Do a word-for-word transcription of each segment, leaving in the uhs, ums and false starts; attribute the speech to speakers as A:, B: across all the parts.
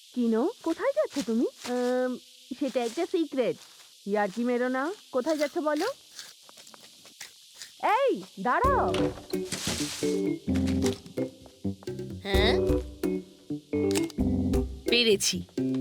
A: কিনো, কোথায় যাচ্ছ তুমি? আম, সেটা একটা সিক্রেট। ইয়ার্কি মেরো না। কোথায় যাচ্ছ বলো? এই দাঁড়াও।
B: হ্যাঁ, পেরেছি।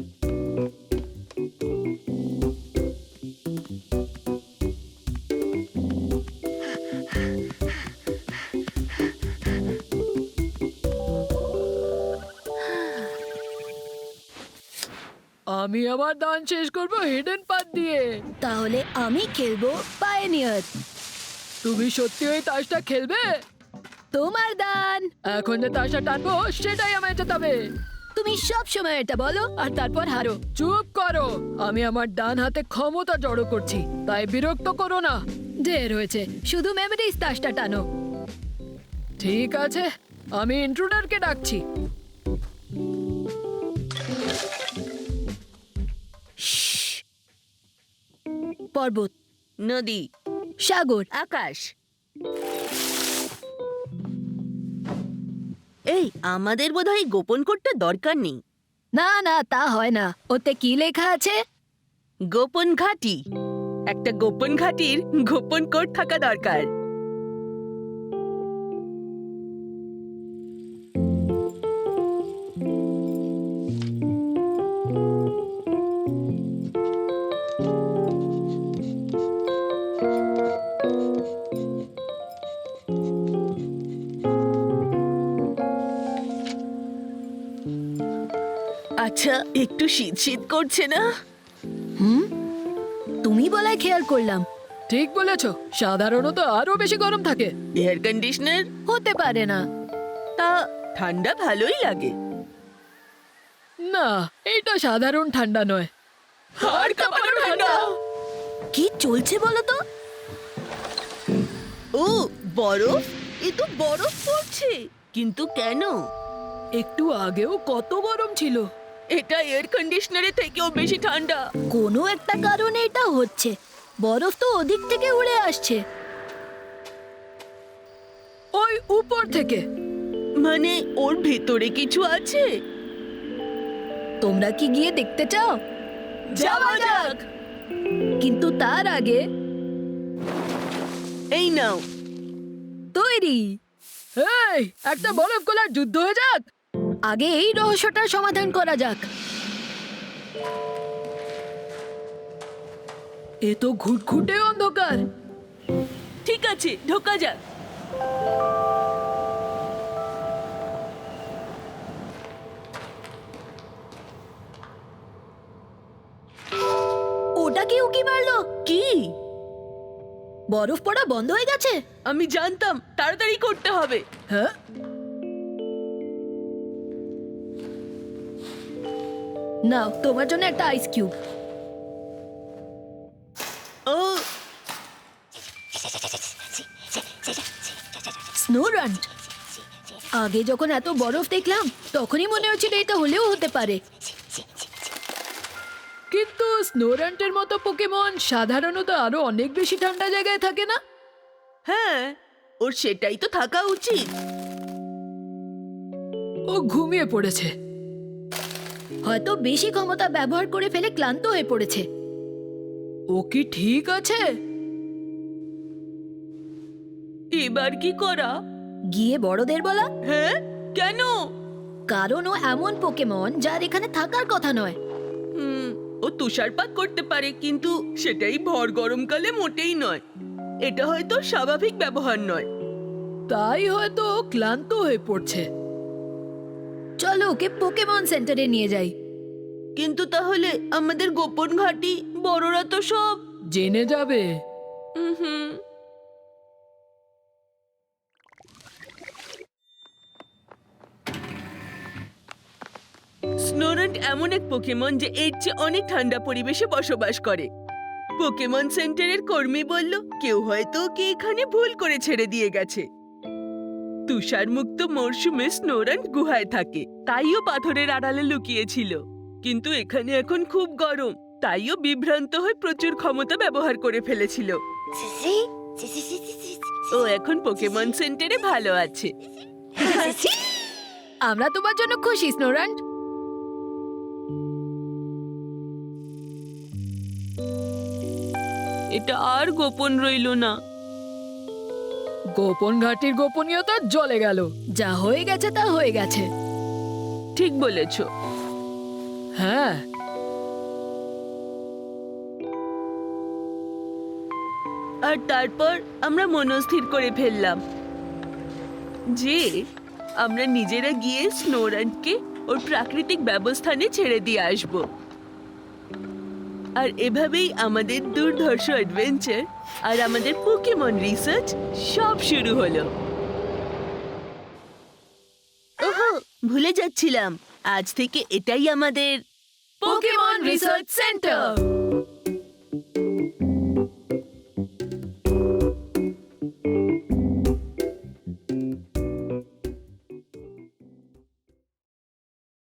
C: আমি আমার দান শেষ করব হিডেন পাথ দিয়ে।
B: তাহলে আমি খেলবো পায়োনিয়ার।
C: তুমি সত্যি ওই তাসটা খেলবে?
B: তোমার দান।
C: এখন যে তাসটা টানবো সেটাই আমায় জেতাবে।
B: তুমি সব সময় এটা বলো আর তারপর হারো।
C: চুপ করো, আমি আমার ডান হাতে ক্ষমতা জড়ো করছি, তাই বিরক্ত করো না।
B: ঢের হয়েছে, শুধু মেমোরিজ তাসটা টানো।
C: ঠিক আছে, আমি ইন্ট্রুডারকে ডাকছি।
B: পর্বত,
D: নদী,
B: সাগর,
D: আকাশ। এই আমাদের বোধহয় গোপন কোডটা দরকার নেই।
B: না না তা হয় না। ওতে কি লেখা আছে?
D: গোপন ঘাঁটি। একটা গোপন ঘাঁটির গোপন কোড থাকা দরকার। আচ্ছা, একটু শীত শীত করছে না?
B: হুম, তুমি বলায় খেয়াল করলাম।
C: ঠিক বলেছো, সাধারণত আরো বেশি গরম থাকে।
D: এয়ার কন্ডিশনার
B: হতে পারে না।
D: তা ঠান্ডা ভালোই লাগে।
C: না, এটা সাধারণ ঠান্ডা নয়।
D: হাড় কাঁপানো ঠান্ডা।
B: কি চলছে বলো তো?
D: ও বরফ, এ তো বরফ পড়ছে। কিন্তু কেন?
C: একটু আগেও কত গরম ছিল।
D: এটা এয়ার কন্ডিশনারের থেকেও বেশি ঠান্ডা।
B: কোনো একটা কারণে এটা হচ্ছে। বরফ তো ওদিক থেকে উড়ে আসছে।
C: ওই উপর থেকে।
D: মানে ওর ভেতরে কিছু আছে?
B: তোমরা কি গিয়ে দেখতে চাও?
D: যাওয়া যাক।
B: কিন্তু তার আগে
D: এই নাও।
B: তৈরি।
C: এই, একটা বরফ গলার যুদ্ধ হয়ে যাক।
B: আগে এই রহস্যটার সমাধান করা যাক।
C: এ তো ঘুটঘুটে অন্ধকার।
D: ঠিক আছে, ঢোকা যাক।
B: ওটা কি উকি মারলো?
D: কি?
B: বরফ পড়া বন্ধ হয়ে গেছে।
D: আমি জানতাম, তাড়াতাড়ি করতে হবে।
C: হ্যাঁ,
B: নাও তোমার জন্য একটা আইস কিউব।
D: ও
B: স্নো রান। আগে যখন এত বরফ দেখলাম তখনই মনে হচ্ছিল এটা হলেও হতে পারে।
C: কিন্তু স্নোরান্টের মতো পোকেমন সাধারণত আরো অনেক বেশি ঠান্ডা জায়গায় থাকে না?
D: হ্যাঁ, ওর সেটাই তো থাকা উচিত।
C: ও ঘুমিয়ে পড়েছে।
B: হয়তো বেশি ক্ষমতা ব্যবহার করে ফেলে ক্লান্ত হয়ে পড়েছে।
C: ও কি ঠিক আছে?
D: এবার কি করা?
B: গিয়ে বড়দের বলা।
D: হ্যাঁ, কেন?
B: কারণ ও এমন পোকেমন যার এখানে থাকার কথা নয়।
D: হুম, ও তুষারপাত করতে পারে, কিন্তু সেটাই ভর গরমকালে মোটেই নয়। এটা হয়তো স্বাভাবিক ব্যবহার নয়।
C: তাই হয়তো ও ক্লান্ত হয়ে পড়ছে।
B: চলো ওকে পোকেমন সেন্টারে নিয়ে যাই।
D: কিন্তু তাহলে আমাদের গোপন ঘাঁটি, বড়রা তো সব
C: জেনে যাবে।
D: হুম। স্নোরান্ট এমন এক পোকেমন যে এর চেয়ে অনেক ঠান্ডা পরিবেশে বসবাস করে। পোকেমন সেন্টারের কর্মী বলল কেউ হয়তো ওকে এখানে ভুল করে ছেড়ে দিয়ে গেছে। তুষার মুক্ত মরশুমে স্নোরান্ট গুহায় থাকে, তাইও পাথরের আড়ালে লুকিয়েছিল। কিন্তু এখানে এখন খুব গরম, তাইও বিভ্রান্ত হয়ে প্রচুর ক্ষমতা ব্যবহার করে ফেলেছিল। ও এখন পোকেমন সেন্টারে ভালো আছে।
B: আমরা তোমার জন্য খুশি স্নোরান্ট।
D: এটা আর গোপন রইলো না।
C: গোপন ঘাটির গোপনীয়তা জ্বলে গেল।
B: যা হয়ে গেছে তা হয়ে গেছে।
D: ঠিক বলেছো।
C: হ্যাঁ,
D: আর তারপর আমরা মনস্থির করে ফেললাম যে আমরা নিজেরা গিয়ে স্নোরানকে ওর প্রাকৃতিক ব্যবস্থানে ছেড়ে দিয়ে আসব। আর এভাবেই আমাদের দুর্ধর্ষ অ্যাডভেঞ্চার আর আমাদের পোকেমন রিসার্চ সব শুরু হলো। ওহো, ভুলে যাচ্ছিলাম, আজ থেকে এটাই আমাদের
B: পোকেমন রিসার্চ সেন্টার।